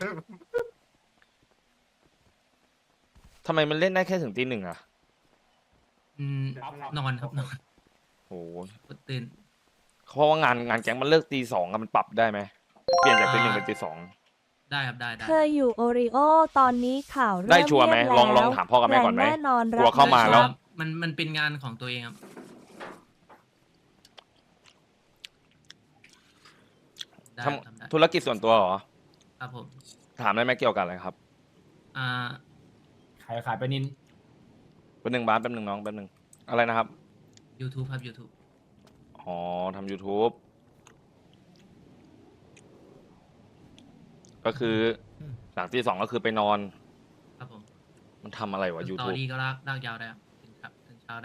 Speaker 2: ทำไมมันเล่นได้แค่ถึงตีหนึ่งอะ
Speaker 13: อืมนอนครับนอน
Speaker 2: โอ้โห
Speaker 13: ตื่น
Speaker 2: เพราะว่างานงานแก๊งมันเลิกตีสองอะมันปรับได้ไหมเปลี่ยนจากตีหนึ่งเป็นตีสอง
Speaker 13: ได้ครับได้ได้
Speaker 6: เคยอยู่โอริโอตอนนี้ข่าวเริ่ม
Speaker 2: ได้ชัวร์ไหม
Speaker 6: เงียบ
Speaker 2: ลองลอง
Speaker 6: แล้ว
Speaker 2: ถามพ่อกับแม่ก่อนไหม
Speaker 6: แรงแน่นอน
Speaker 2: กลัวเข้ามาแล้ว
Speaker 6: รับ
Speaker 13: มันมันเป็นงานของตัวเองครับได้
Speaker 2: ท
Speaker 13: ทำได้
Speaker 2: ำธุรกิจส่วนตัวเหรอ
Speaker 13: ครับผม
Speaker 2: ถามได้ไหมเกี่ยวกับอะไรครับ
Speaker 13: อ่า
Speaker 14: ขายขายไปนิน
Speaker 2: แป๊บหนึ่งบ้านแป๊บหนึ่งน้องแป๊บหนึ่งอะไรนะครับ
Speaker 13: YouTube ครับ YouTube
Speaker 2: อ๋อทำ YouTube ก็คืออ
Speaker 4: ม
Speaker 2: หลังที่สองก็คือไปนอน
Speaker 13: ครับผม
Speaker 2: มันทำอะไรวะ
Speaker 13: สตอ
Speaker 2: YouTube
Speaker 13: รี่ก็ลากลากยาวได้ครับถึงครับถึงเช้าได้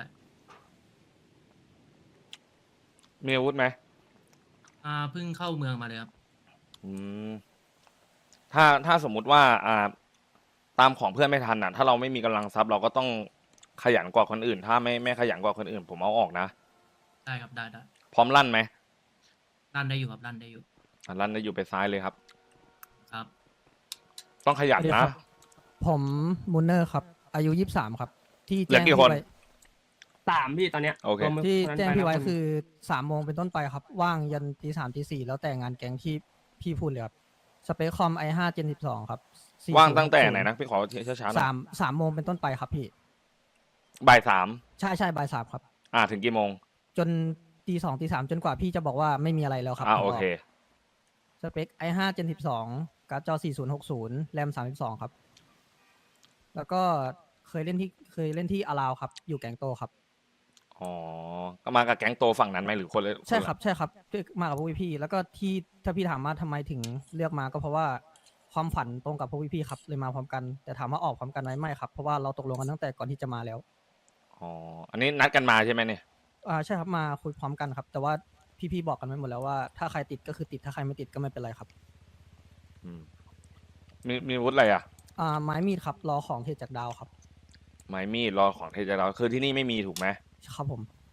Speaker 2: มีอาวุธไหม
Speaker 13: อ่าเพิ่งเข้าเมืองมาเลยครับ
Speaker 2: อืมถ้าถ้าสมมุติว่าอ่า ตามของเพื่อนไม่ทันอ่ะ ถ้าเราไม่มีกำลังทรัพย์เราก็ต้องขยันกว่าคนอื่น ถ้าไม่ไม่ขยันกว่าคนอื่น ผมเอาออกนะ
Speaker 13: ได้ครับได้ได้
Speaker 2: พร้อมลั่นไหม
Speaker 13: ลั่นได้อยู่ครับลั่นได้อยู่
Speaker 2: อ่ะลั่นได้อยู่ไปซ้ายเลยครับ
Speaker 13: ครับ
Speaker 2: ต้องขยันนะ
Speaker 15: ผมมูนเนอร์ครับ อายุยี่สิบสามครับ ที่
Speaker 2: เหลือ
Speaker 15: แจ้ง
Speaker 2: กี่
Speaker 15: พี่
Speaker 2: คน
Speaker 15: ไว้
Speaker 14: สามพี่ตอนเนี้ย
Speaker 2: โอเค
Speaker 14: รวมมือ
Speaker 15: ที่
Speaker 14: คนนั้น
Speaker 15: แจ้ง
Speaker 14: ไป
Speaker 15: พี่ไว้
Speaker 14: แล้วน
Speaker 15: คือสามโมงเป็นต้นไปครับ ว่างยันตีสามตีสี่แล้วแต่งานแก๊งที่พี่พูดเลยครับ สเปคคอม i ห้า Gen สิบสองครับ
Speaker 2: ว่างตั้งแต่ไหนนะพี่ขอช้าๆหน่อ
Speaker 15: สาย มสามโมงเป็นต้นไปครับพี่
Speaker 2: บ่ายสาม
Speaker 15: ใช่ใช่บ่ายสามครับ
Speaker 2: อ่าถึงกี่โมง
Speaker 15: จนตีสองตีสามจนกว่าพี่จะบอกว่าไม่มีอะไรแล้วครับ
Speaker 2: อ่า
Speaker 15: ผม
Speaker 2: โอเค
Speaker 15: สเปค i ห้า Gen สิบสองการ์ดจอสี่ศูนย์หกศูนย์แรมสามสิบสองครับ แล้วก็เคยเล่นที่เคยเล่นที่อาราวครับ อยู่แก๊งโตครับ
Speaker 2: อ๋อ ก็มากับแก๊งโตฝั่งนั้นไหมหรือคนละ
Speaker 15: ใช่
Speaker 2: นละ
Speaker 15: ครับใช่ครับที่มากับพวกพี่ๆแล้วก็ที่ถ้าพี่ถามว่าทำไมถึงเลือกมาก็เพราะว่าความฝันตรงกับพวกพี่ๆครับเลยมาพร้อมกัน แต่ถามว่าออกพร้อมกันไหมไม่ครับเพราะว่าเราตกลงกันตั้งแต่ก่อนที่จะมาแล้ว
Speaker 2: อ๋อ อันนี้นัดกันมาใช่ไหมเนี่ย
Speaker 15: อ่าใช่ครับมาคุยพร้อมกันครับ แต่ว่าพี่ๆบอกกันไว้หมดแล้วว่าถ้าใครติดก็คือติดถ้าใครไม่ติดก็ไม่เป็นไรครับ
Speaker 2: อืมมีมีอาวุธอะไรอ่ะ
Speaker 15: อ่าไม้มีดครับรอของเทจากดาวครับ
Speaker 2: ไม้มีดรอของเทจะเราคือที่นี่ไม่มีถูกไหม
Speaker 15: ครับผม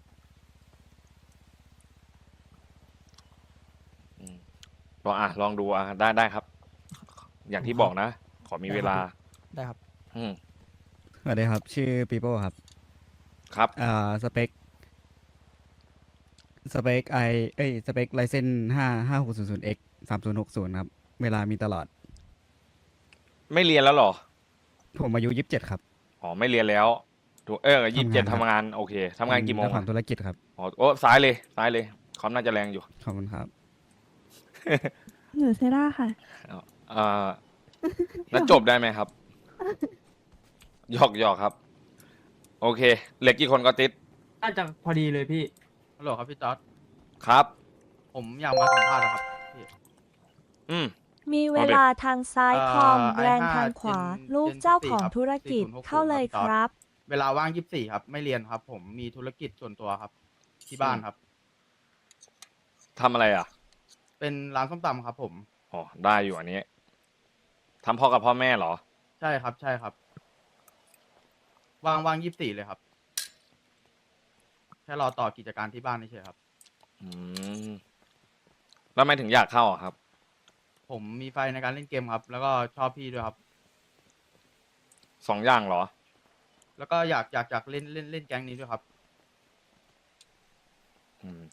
Speaker 2: อืมลองอ่ะลองดูอ่ะได้ได้ครับ อย่างที่บอกนะ ขอมีเวลา
Speaker 15: ได้ครับ
Speaker 2: อืม
Speaker 8: สวัสดีครับ ชื่อปีโป้ครับ
Speaker 2: ครับ
Speaker 8: อ่าสเปคสเปคไอเอ้ยสเปคไลเซนห้าห้าหกศูนย์ศูนย์เอ็กสามศูนย์หกศูนย์ครับ เวลามีตลอด
Speaker 2: ไม่เรียนแล้วเหรอ
Speaker 8: ผมอายุยี่สิบเจ็ดครับ
Speaker 2: อ๋อ ไม่เรียนแล้วถูกเออยี่สิบเจ็ด
Speaker 8: ทำงานครับ
Speaker 2: ทำงาน โอเคทำงานกี่โมง
Speaker 8: เจ้าของ
Speaker 2: อะ
Speaker 8: ธุรกิจครับ
Speaker 2: อ๋อ โอ้ซ้ายเลย ซ้ายเลยคอมน่าจะแรงอยู่
Speaker 8: ขอบคุณครับ
Speaker 16: หนูเซร่าค่ะ
Speaker 2: อ่าแล้วจบได้ไหมครับ หยอกหยอกครับ โอเค เหลือกี่คนก็ติด
Speaker 14: น่าจะพอดีเลยพี่
Speaker 9: ฮัลโหลครับพี่จอร์ด
Speaker 2: ครับ
Speaker 9: ผมอยากมาสัมภาษณ์นะครับพี่
Speaker 2: อืม
Speaker 6: มีเวลาทางซ้ายคอมแรงทางขวา ลูกเจ้าของธุรกิจเข้าเลยครับ
Speaker 9: เวลาว่างยี่สิบสี่ครับ ไม่เรียนครับ ผมมีธุรกิจส่วนตัวครับ ที่บ้านครับ
Speaker 2: ทำอะไรอ่ะ
Speaker 9: เป็นร้านส้มตำครับผม
Speaker 2: อ๋อ ได้อยู่อันนี้ทำพ่อกับพ่อแม่เหรอ
Speaker 9: ใช่ครับใช่ครับ ว่างว่างยี่สิบสี่เลยครับ แค่รอต่อกิจการที่บ้านนี่เฉยครับ
Speaker 2: อืม แล้วทำไม่ถึงอยากเข้าอ่ะครับ
Speaker 9: ผมมีไฟในการเล่นเกมครับ แล้วก็ชอบพี่ด้วยครับ
Speaker 2: สองอย่างเหรอ
Speaker 9: แล้วก็อยากอยากอยากเล่นเล่นเล่นแก๊งนี้ด้วยครับ
Speaker 2: อืม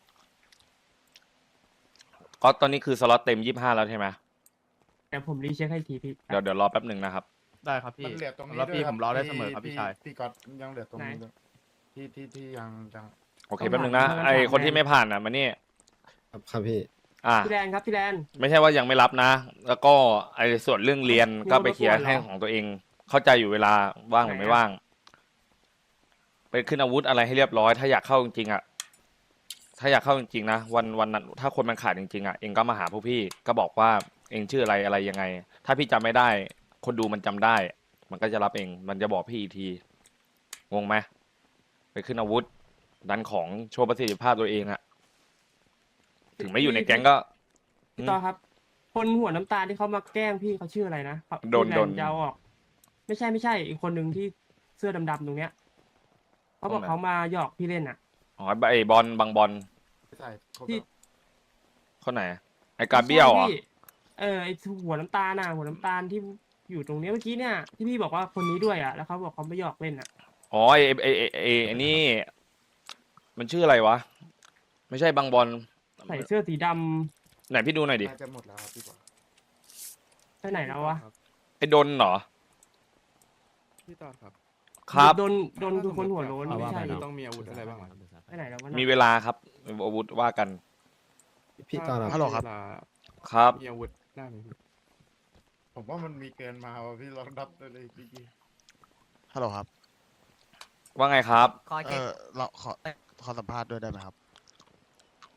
Speaker 2: ก็ตอนนี้คือสล็อตเต็มยี่สิบห้าแล้วใช่ไหม
Speaker 14: เดี๋ยวผมรีเช็คให้อีกทีพี่
Speaker 2: เดี๋ยวเดี๋ยวรอแป๊บหนึ่งนะครับ
Speaker 9: ได้ครับพี่
Speaker 11: มันเหลือตรงนี้
Speaker 9: สำหรับ
Speaker 11: ด้วย
Speaker 9: พี่
Speaker 11: ค
Speaker 9: ผมรอได้เสมอครับ
Speaker 11: พี่
Speaker 9: พี่ชาย
Speaker 11: พี่ก๊อตยังเหลือตรงนี้
Speaker 14: ไหน
Speaker 11: ด้วยที่ที่ที่ยังยัง
Speaker 2: โอเคแป๊บหนึ่งนะ ไอคนที่ไม่ผ่านอ่ะมานี่
Speaker 11: ครับครับพี่
Speaker 2: อ่ะ
Speaker 14: พี่แดนครับพี่แดน
Speaker 2: ไม่ใช่ว่ายังไม่รับนะ แล้วก็ไอ้ส่วนเรื่องเรียนก็ไปเคลียร์ให้ของตัวเอง เข้าใจอยู่เวลาว่างหรือไม่ว่าง ไปขึ้นอาวุธอะไรให้เรียบร้อย ถ้าอยากเข้าจริงๆอ่ะ ถ้าอยากเข้าจริงๆนะวันวันนั้นถ้าคนมันขาดจริงๆอ่ะเองก็มาหาพวกพี่ ก็บอกว่าเองชื่ออะไรอะไรยังไง ถ้าพี่จำไม่ได้ คนดูมันจำได้ มันก็จะรับเอง มันจะบอกพี่อีกที งงไหมไปขึ้นอาวุธ ดันของโชว์ประสิทธิภาพตัวเองอะถึงไม่อยู่ในแก๊งก็
Speaker 14: พี่ต่อครับ คนหัวน้ำตาลที่เขามาแกล้งพี่เขาชื่ออะไรนะเขา
Speaker 2: โดน
Speaker 14: พี่แ
Speaker 2: โดน
Speaker 14: จะเอาออก ไม่ใช่ไม่ใช่ อีกคนหนึ่งที่เสื้อดำๆตรงเนี้ยเขาบอกเขามาหยอกพี่เล่นอ่ะ
Speaker 2: อ๋อไอ้บอลบางบอล
Speaker 11: ใช่ครบ
Speaker 14: ที่
Speaker 11: แล้ว
Speaker 2: คนไหน ไอ้กาเบียวเหรอ่ะ
Speaker 14: ใช่พี่เออไอหัวน้ำตาลน่ะหัวน้ำตาลที่อยู่ตรงเนี้ยเมื่อกี้เนี่ยที่พี่บอกว่าคนนี้ด้วยอ่ะแล้วเขาบอกเขาไม่หยอกเล่นอ่ะ
Speaker 2: อ๋อไอ้ไอ้ไอ้ไอ้ไอ้นี่ มันชื่ออะไรวะ ไม่ใช่บางบอล
Speaker 14: ใส่เสื้อสีดำ
Speaker 2: ไหนพี่ดูหน่อยดิ
Speaker 11: น่าจะหมดแล้วครับพี่บอล
Speaker 14: ไปไหนแล้ววะ
Speaker 2: ไอ้ดนเหรอ
Speaker 11: พี่ตอดครับ
Speaker 2: ครับ
Speaker 14: โดนโดนคือคนหัวโล้น
Speaker 5: เอา
Speaker 14: ไม่
Speaker 5: ว่า
Speaker 14: ใช่
Speaker 5: ไปเนาะ
Speaker 11: ต้องมีอาวุธอะไรบ้างอะ
Speaker 14: ไปไหนแล้ววะ
Speaker 2: มี
Speaker 14: น่ะ
Speaker 2: เวลาครับอาวุธว่ากัน
Speaker 11: พี่ตอดฮัลโหลครับ
Speaker 2: ครับ
Speaker 11: มีอาวุธได้ไหมพี่ผมว่ามันมีเกินมาว่ะพี่ลองดับตัวเลยพี่กี้
Speaker 17: ฮัลโหลครับ
Speaker 2: ว่าไงครับ
Speaker 17: เออเราขอขอสัมภาษณ์ด้วยได้ไหมครับ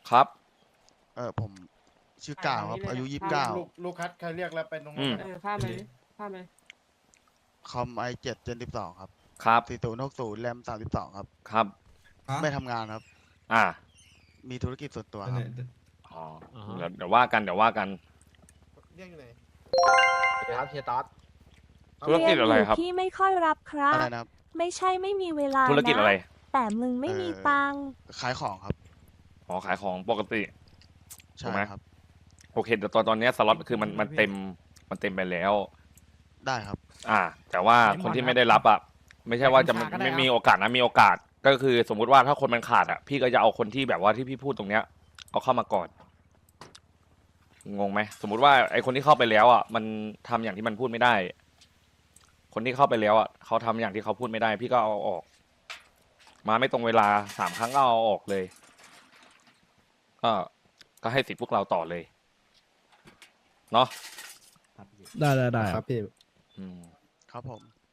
Speaker 2: ครับ
Speaker 17: เออผมชื่อกล่าวครับ อายุยี่สิบเก้า
Speaker 11: ลูกลูกคัดใครเรียกแล้วไปตรง
Speaker 2: อื
Speaker 11: นั้น
Speaker 2: ม
Speaker 11: นะ
Speaker 14: เออข้ามไปดิข้ามไป
Speaker 17: คอมไอเจ็ดเจนสิบสองครับ
Speaker 2: ครับ
Speaker 17: สี่ศูนย์หกศูนย์แรมสามสิบสองครับ
Speaker 2: ครับ
Speaker 17: ไม่ทำงานครับ
Speaker 2: อ่า
Speaker 17: มีธุรกิจส่วนตัวครับ
Speaker 2: อ๋อเดี๋ยวเดี๋ยวว่ากันเดี๋ยวว่ากัน
Speaker 11: เรียกอยู่ไหน
Speaker 9: ครับเฮียต๊อด
Speaker 2: ธุรกิจอะไรครับ
Speaker 6: เยนยู่พี่ไม่ค่อยรับครั
Speaker 17: อะ
Speaker 6: บ
Speaker 17: ไรนะครับ
Speaker 6: ไม่ใช่ไม่มีเวลา
Speaker 2: ธุรกิจอะไร
Speaker 6: นะแต่มึงไม่มีตังค์
Speaker 17: ขายของครับ
Speaker 2: อ๋อขายของปกติ
Speaker 17: ใช่
Speaker 2: ถูกไหม
Speaker 17: ครับ
Speaker 2: โอเคแต่ตอนตอนเนี้ยสล็อตคือมันมันเต็มมันเต็มไปแล้ว
Speaker 17: ได้ครับ
Speaker 2: อ่า แต่ว่าคนที่ไม่ได้รับอ่ะไม่ใช่ว่าจะไม่ไม่มีโอกาสนะมีโอกาสก็คือสมมุติว่าถ้าคนมันขาดอ่ะพี่ก็จะเอาคนที่แบบว่าที่พี่พูดตรงเนี้ยเอาเข้ามาก่อนงงไหมสมมุติว่าไอคนที่เข้าไปแล้วอ่ะมันทำอย่างที่มันพูดไม่ได้ คนที่เข้าไปแล้วอ่ะเขาทำอย่างที่เขาพูดไม่ได้ พี่ก็เอาออก มาไม่ตรงเวลาสามครั้งก็เอาออกเลย ก็ก็ให้สิทธิ์พวกเราต่อเลยเนาะ
Speaker 3: ได้ได้ได้ครับพี่
Speaker 2: อืม
Speaker 17: ครับผม